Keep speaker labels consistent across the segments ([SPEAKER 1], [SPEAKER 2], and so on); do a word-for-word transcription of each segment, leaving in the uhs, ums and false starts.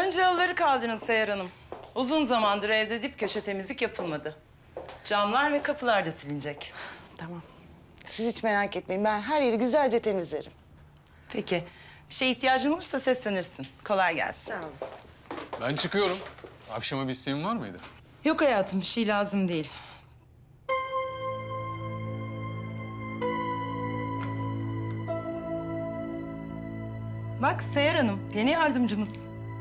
[SPEAKER 1] Önce halıları kaldırın Seher Hanım. Uzun zamandır evde dip köşe temizlik yapılmadı. Camlar ve kapılar da silinecek.
[SPEAKER 2] Tamam. Siz hiç merak etmeyin. Ben her yeri güzelce temizlerim.
[SPEAKER 1] Peki, bir şeye ihtiyacın olursa seslenirsin. Kolay gelsin.
[SPEAKER 2] Sağ olun.
[SPEAKER 3] Ben çıkıyorum. Akşama bir isteğin var mıydı?
[SPEAKER 1] Yok hayatım, bir şey lazım değil. Bak Seher Hanım, yeni yardımcımız.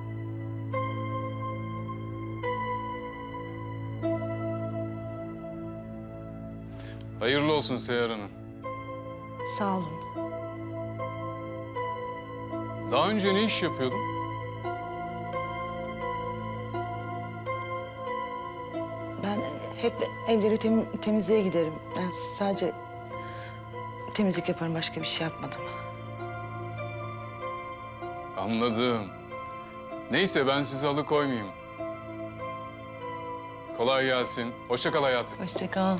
[SPEAKER 3] Hayırlı olsun Seher Hanım.
[SPEAKER 2] Sağ olun.
[SPEAKER 3] Daha önce ne iş yapıyordun?
[SPEAKER 2] Ben hep evleri tem temizliğe giderim. Ben sadece temizlik yaparım. Başka bir şey yapmadım.
[SPEAKER 3] Anladım. Neyse ben sizi alıkoymayayım. Kolay gelsin. Hoşça kal hayatım.
[SPEAKER 1] Hoşça kal.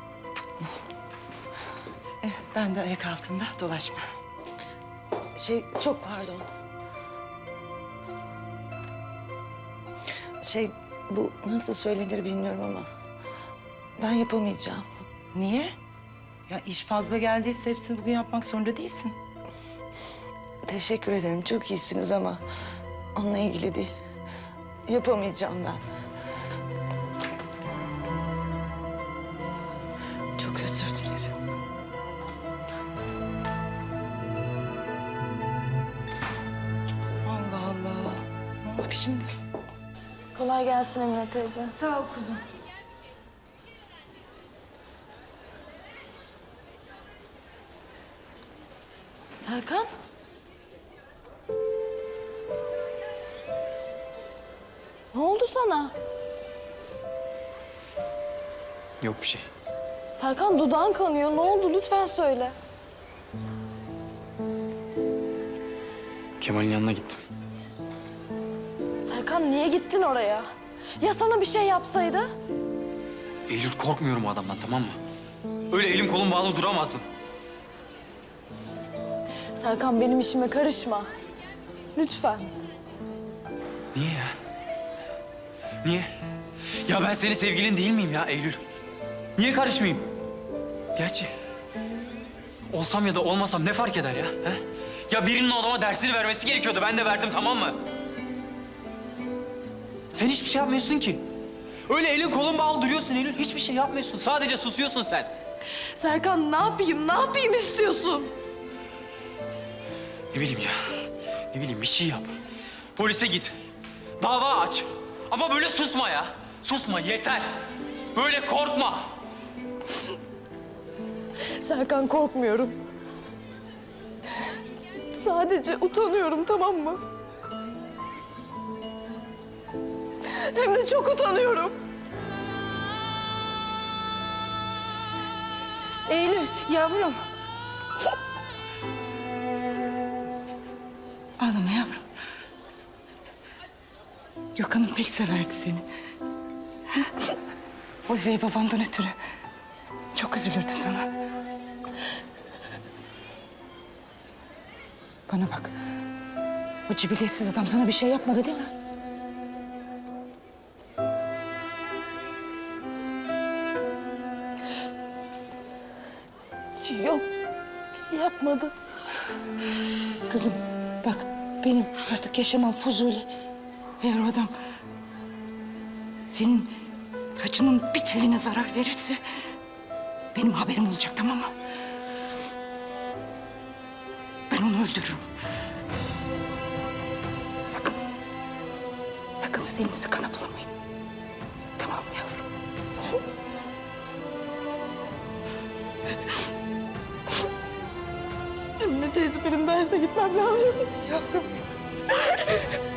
[SPEAKER 1] Eh, ben de ayak altında dolaşma.
[SPEAKER 2] Şey, çok pardon. Şey, bu nasıl söylenir bilmiyorum ama ben yapamayacağım.
[SPEAKER 1] Niye? Ya iş fazla geldiyse hepsini bugün yapmak zorunda değilsin.
[SPEAKER 2] Teşekkür ederim. Çok iyisiniz ama onunla ilgili değil. Yapamayacağım ben. Çok özür dilerim.
[SPEAKER 1] Allah Allah. Ne oldu ki şimdi?
[SPEAKER 4] Kolay gelsin Emine teyze.
[SPEAKER 2] Sağ ol kuzum.
[SPEAKER 4] Serkan? Ne oldu sana?
[SPEAKER 5] Yok bir şey.
[SPEAKER 4] Serkan dudağın kanıyor. Ne oldu? Lütfen söyle.
[SPEAKER 5] Kemal'in yanına gittim.
[SPEAKER 4] Serkan niye gittin oraya? Ya sana bir şey yapsaydı?
[SPEAKER 5] Eylül korkmuyorum o adamdan, tamam mı? Öyle elim kolum bağlı duramazdım.
[SPEAKER 4] Serkan benim işime karışma. Lütfen.
[SPEAKER 5] Niye ya? Niye? Ya ben senin sevgilin değil miyim ya Eylül? Niye karışmayayım? Gerçi olsam ya da olmasam ne fark eder ya? He? Ya birinin o adama dersini vermesi gerekiyordu. Ben de verdim, tamam mı? Sen hiçbir şey yapmıyorsun ki. Öyle elin kolun bağlı duruyorsun Eylül. Hiçbir şey yapmıyorsun. Sadece susuyorsun sen.
[SPEAKER 4] Serkan ne yapayım? Ne yapayım istiyorsun?
[SPEAKER 5] Ne bileyim ya. Ne bileyim bir şey yap. Polise git. Dava aç. Ama böyle susma ya. Susma yeter. Böyle korkma.
[SPEAKER 4] Serkan korkmuyorum. Sadece utanıyorum, tamam mı? Hem de çok utanıyorum.
[SPEAKER 1] Eylül, yavrum. Ağlama yavrum. Gökhan'ım pek severdi seni. Ha? O üvey babandan ötürü çok üzülürdü sana. Bana bak. O cibiliyetsiz adam sana bir şey yapmadı değil mi?
[SPEAKER 4] Yok, yapmadı.
[SPEAKER 1] Kızım bak benim artık yaşamam fuzuli. Eğer o adam senin saçının bir teline zarar verirse benim haberim olacak, tamam mı? Ben onu öldürürüm. Sakın, sakın siz elinizi kana bulamayın. Tamam mı yavrum?
[SPEAKER 4] Emine teyze benim derse gitmem lazım.
[SPEAKER 1] Yavrum.